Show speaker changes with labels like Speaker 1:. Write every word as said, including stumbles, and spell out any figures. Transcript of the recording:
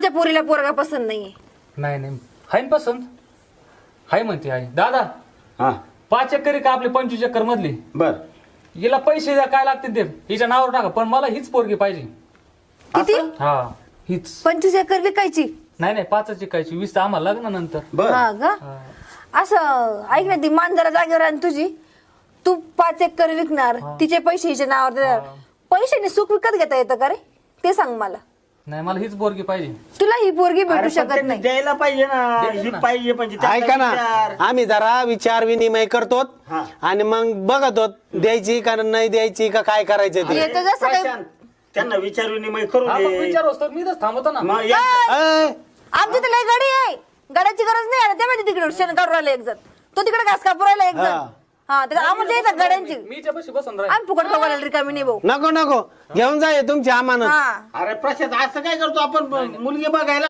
Speaker 1: त्या पोरीला पोरगा पसंत नाहीये.
Speaker 2: नाही नाही हाय ना पसंत हाय म्हणते आहे दादा.
Speaker 3: हा
Speaker 2: पाच एकर का आपले पंचवीस एकर मधली
Speaker 3: बर
Speaker 2: हिला पैसे द्या काय लागतील ते हिच्या नावावर टाका पण मला हीच पोरगी पाहिजे.
Speaker 1: किती?
Speaker 2: हा हीच.
Speaker 1: पंचवीस एकर विकायची?
Speaker 2: नाही नाही पाचच एकायची वीस आम्हाला लग्नानंतर.
Speaker 3: बर
Speaker 1: हा का? असं ऐक ना, ती मांजरा जागेवर आणि तुझी तू पाच एकर विकणार, तिचे पैसे हिच्या नावावर देणार. पैशाने सुख विकत घेता येतं का रे ते सांग मला.
Speaker 2: नाही मला हीच पोरगी पाहिजे.
Speaker 1: तुला ही पोरगी
Speaker 3: अरे
Speaker 1: भेटू
Speaker 3: पण
Speaker 1: शकत
Speaker 3: त्यांनी
Speaker 1: नाही.
Speaker 3: द्यायला पाहिजे ना
Speaker 2: देतील
Speaker 3: ही
Speaker 2: ना.
Speaker 3: पाहिजे म्हणजे त्यांचा
Speaker 4: ऐका ना
Speaker 3: विचार.
Speaker 4: आम्ही जरा विचार विनिमय करतो
Speaker 3: हा.
Speaker 4: आणि मग बघतो द्यायची का नाही द्यायची का काय करायचं ते.
Speaker 1: येतं जसं काही
Speaker 3: प्रशांत, त्यांना विचार विनिमय करू
Speaker 2: हा मग
Speaker 3: दे
Speaker 2: विचार असतो मी तर थांबतो ना.
Speaker 3: मग या-
Speaker 4: अय,
Speaker 1: आमची तर लय गाडी आहे, गाड्याची गरज नाही. आहे ते माहिती तिकडे शेण काढून राहिला एक जण, तो तिकडे घास कापून राहिला एक जण.
Speaker 4: हा.
Speaker 1: हा तर आम्हाला येतात गाड्यांची.
Speaker 2: मी हिच्यापाशी बसून राहील.
Speaker 1: आम्ही फुकट बघायला रिकामी नाही भाऊ.
Speaker 4: नको नको घेऊन जा हे तुमची अमानत.
Speaker 1: हा
Speaker 3: अरे प्रशांत असं काय करतो आपण मुलगी बघायला